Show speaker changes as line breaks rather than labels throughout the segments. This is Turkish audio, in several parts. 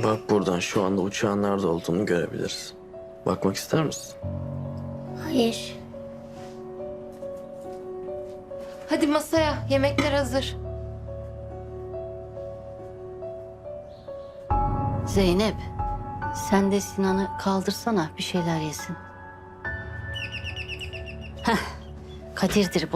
Bak buradan şu anda uçağın nerede olduğunu görebiliriz. Bakmak ister misin?
Hayır.
Hadi masaya, yemekler hazır.
Zeynep, sen de Sinan'ı kaldırsana, bir şeyler yesin. Heh, Kadir'dir bu.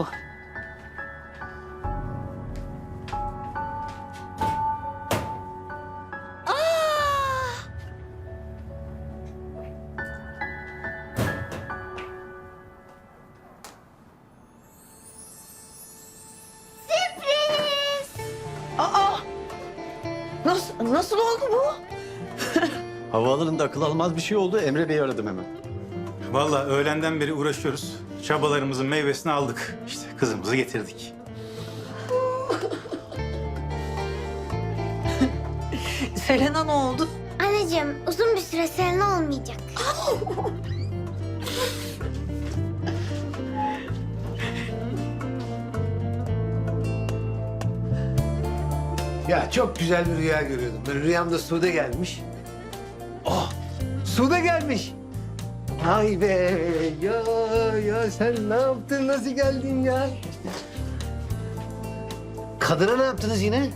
Nasıl oldu bu?
Havaalanında akıl almaz bir şey oldu. Emre Bey'i aradım hemen.
Vallahi öğlenden beri uğraşıyoruz. Çabalarımızın meyvesini aldık. İşte kızımızı getirdik.
Selena ne oldu?
Anneciğim uzun bir süre Selena olmayacak.
Ya çok güzel bir rüya görüyordum. Ben rüyamda Sude gelmiş. Oh! Sude gelmiş. Ay be! Ya sen ne yaptın? Nasıl geldin ya? Kadına ne yaptınız yine?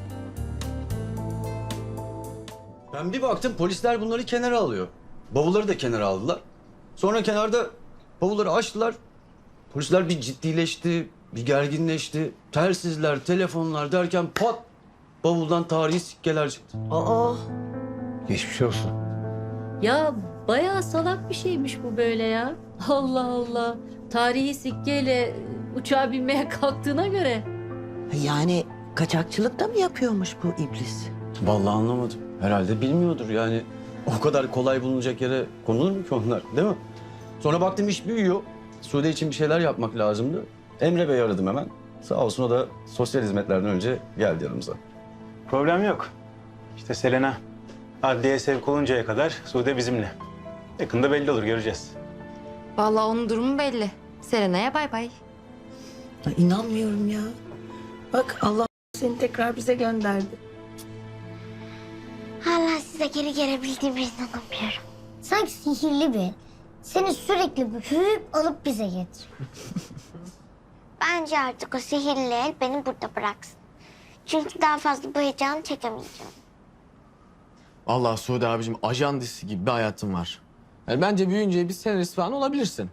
Ben bir baktım polisler bunları kenara alıyor. Bavulları da kenara aldılar. Sonra kenarda bavulları açtılar. Polisler bir ciddileşti, bir gerginleşti. Telsizler, telefonlar derken pat! Bavuldan tarihi sikkeler çıktı.
Aa,
Geçmiş olsun.
Ya bayağı salak bir şeymiş bu böyle ya. Allah Allah. Tarihi sikkeyle uçağa binmeye kalktığına göre.
yani kaçakçılık da mı yapıyormuş bu iblis?
Vallahi anlamadım. Herhalde bilmiyordur yani. O kadar kolay bulunacak yere konulur mu ki onlar, değil mi? Sonra baktım iş büyüyor. Sude için bir şeyler yapmak lazımdı. Emre Bey'i aradım hemen. Sağ olsun o da sosyal hizmetlerden önce geldi yanımıza.
Problem yok. İşte Selena adliyeye sevk oluncaya kadar Sude bizimle. Yakında belli olur, göreceğiz.
Vallahi onun durumu belli. Serena'ya bay bay.
Ya, İnanmıyorum ya. Bak Allah seni tekrar bize gönderdi.
Hala size geri gelebildiğime inanamıyorum. Sanki sihirli bir. Seni sürekli büyüyüp alıp bize getir. Bence artık o sihirli el beni burada bıraksın. Çünkü daha fazla bu heyecanı çekemeyeceğim.
Allah Suudi abicim ajan dizisi gibi bir hayatın var. Yani bence büyüyünce bir senarist falan olabilirsin.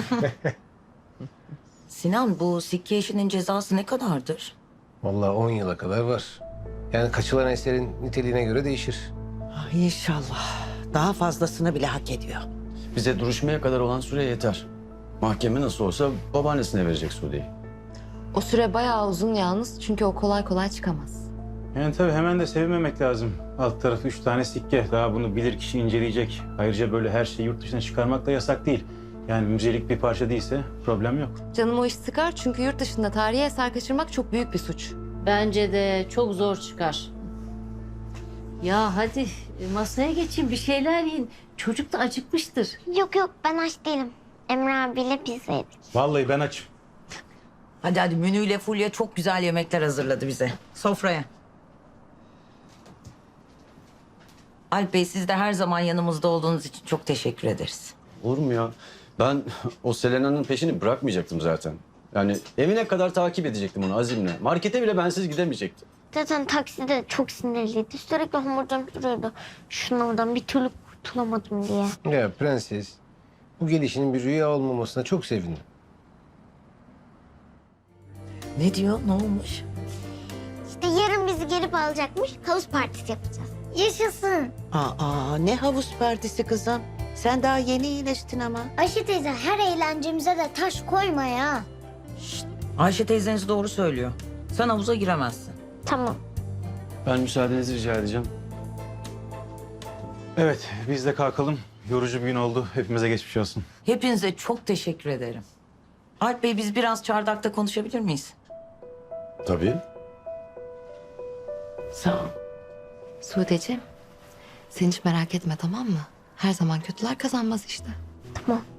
Sinan bu sikke işinin cezası ne kadardır?
Vallahi 10 yıla kadar var. Yani kaçılan eserin niteliğine göre değişir.
İnşallah. Daha fazlasını bile hak ediyor.
Bize duruşmaya kadar olan süre yeter. Mahkeme nasıl olsa babaannesine verecek Sude'yi.
O süre bayağı uzun yalnız çünkü o kolay kolay çıkamaz.
Yani tabii hemen de sevinmemek lazım. Alt tarafı 3 tane sikke. Daha bunu bilirkişi inceleyecek. Ayrıca böyle her şeyi yurt dışına çıkarmak da yasak değil. Yani müzelik bir parça değilse problem yok.
Canım o iş sıkar çünkü yurt dışında tarihi eser kaçırmak çok büyük bir suç.
Bence de çok zor çıkar. Ya hadi masaya geçin, bir şeyler yiyin. Çocuk da acıkmıştır.
Yok ben aç değilim. Emre abiyle pizza yedik.
Vallahi ben açım.
Hadi Münü ile Fulya çok güzel yemekler hazırladı bize. Sofraya. Alp Bey siz de her zaman yanımızda olduğunuz için çok teşekkür ederiz.
Olur mu ya? Ben o Selena'nın peşini bırakmayacaktım zaten. Yani evine kadar takip edecektim onu azimle. Markete bile bensiz gidemeyecektim.
Zaten takside çok sinirliydi. Sürekli homurdanıp duruyordu. Şunlardan bir türlü kurtulamadım diye.
Ya prenses, bu gelişinin bir rüya olmamasına çok sevindim.
Ne diyor? Ne olmuş?
İşte yarın bizi gelip alacakmış. Havuz partisi yapacağız. Yaşasın.
Aa, ne havuz partisi kızım. Sen daha yeni iyileştin ama.
Ayşe teyze her eğlencemize de taş koyma ya.
Ayşe teyzeniz doğru söylüyor. Sen havuza giremezsin.
Tamam.
Ben müsaadenizi rica edeceğim.
Evet, biz de kalkalım. Yorucu bir gün oldu. Hepimize geçmiş olsun.
Hepinize çok teşekkür ederim. Alp Bey biz biraz çardakta konuşabilir miyiz?
Tabii.
Sağ ol. Sude'ciğim sen hiç merak etme tamam mı? Her zaman kötüler kazanmaz işte.
Tamam.